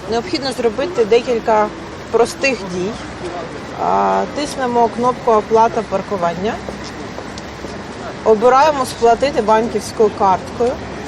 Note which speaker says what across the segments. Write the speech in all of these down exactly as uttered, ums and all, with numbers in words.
Speaker 1: Необхідно зробити декілька простих дій. Тиснемо кнопку «Оплата паркування». Обираємо «Сплатити банківською карткою».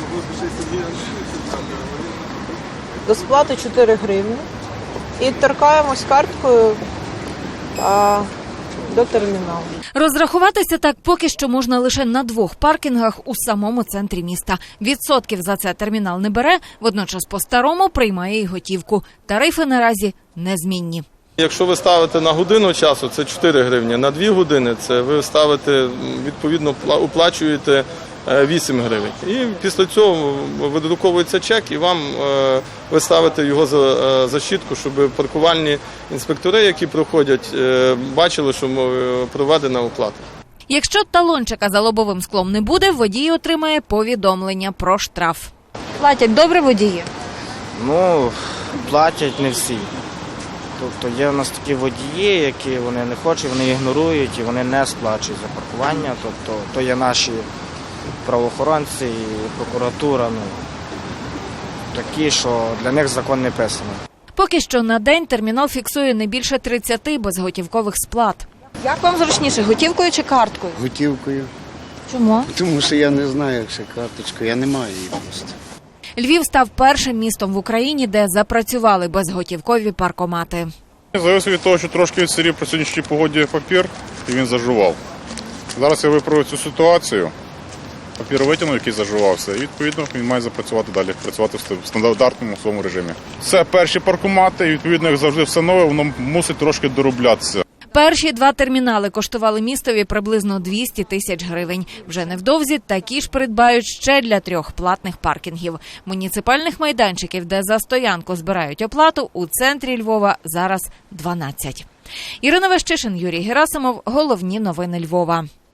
Speaker 1: До сплати чотири гривні. І торкаємось карткою а, до терміналу.
Speaker 2: Розрахуватися так поки що можна лише на двох паркінгах у самому центрі міста. Відсотків за це термінал не бере, водночас по-старому приймає і готівку. Тарифи наразі незмінні.
Speaker 3: Якщо ви ставите на годину часу, це чотири гривні, на дві години це ви ставите, відповідно, оплачуєте вісім гривень. І після цього видруковується чек і вам ви ставите його за, за щітку, щоб паркувальні інспектори, які проходять, бачили, що проведена оплата.
Speaker 2: Якщо талончика за лобовим склом не буде, водій отримає повідомлення про штраф. Платять добре водії?
Speaker 4: Ну, платять не всі. Тобто є в нас такі водії, які вони не хочуть, вони ігнорують і вони не сплачують за паркування. Тобто то є наші правоохоронці і прокуратура, ну, такі, що для них закон не писаний.
Speaker 2: Поки що на день термінал фіксує не більше тридцяти безготівкових сплат. Як вам зручніше, готівкою чи карткою?
Speaker 5: Готівкою.
Speaker 2: Чому?
Speaker 5: Тому що я не знаю, як ще карточку, я не маю її просто.
Speaker 2: Львів став першим містом в Україні, де запрацювали безготівкові паркомати.
Speaker 6: Залежить від того, що трошки відсирів при сьогоднішній погоді папір, і він зажував. Зараз я виправив цю ситуацію, папір витягнув, який зажувався, і відповідно він має запрацювати далі, працювати в стандартному своєму режимі. Це перші паркомати, і відповідно, як завжди все нове, воно мусить трошки дороблятися.
Speaker 2: Перші два термінали коштували містові приблизно двісті тисяч гривень. Вже невдовзі такі ж придбають ще для трьох платних паркінгів. Муніципальних майданчиків, де за стоянку збирають оплату, у центрі Львова зараз дванадцять. Ірина Вещишин, Юрій Герасимов. Головні новини Львова.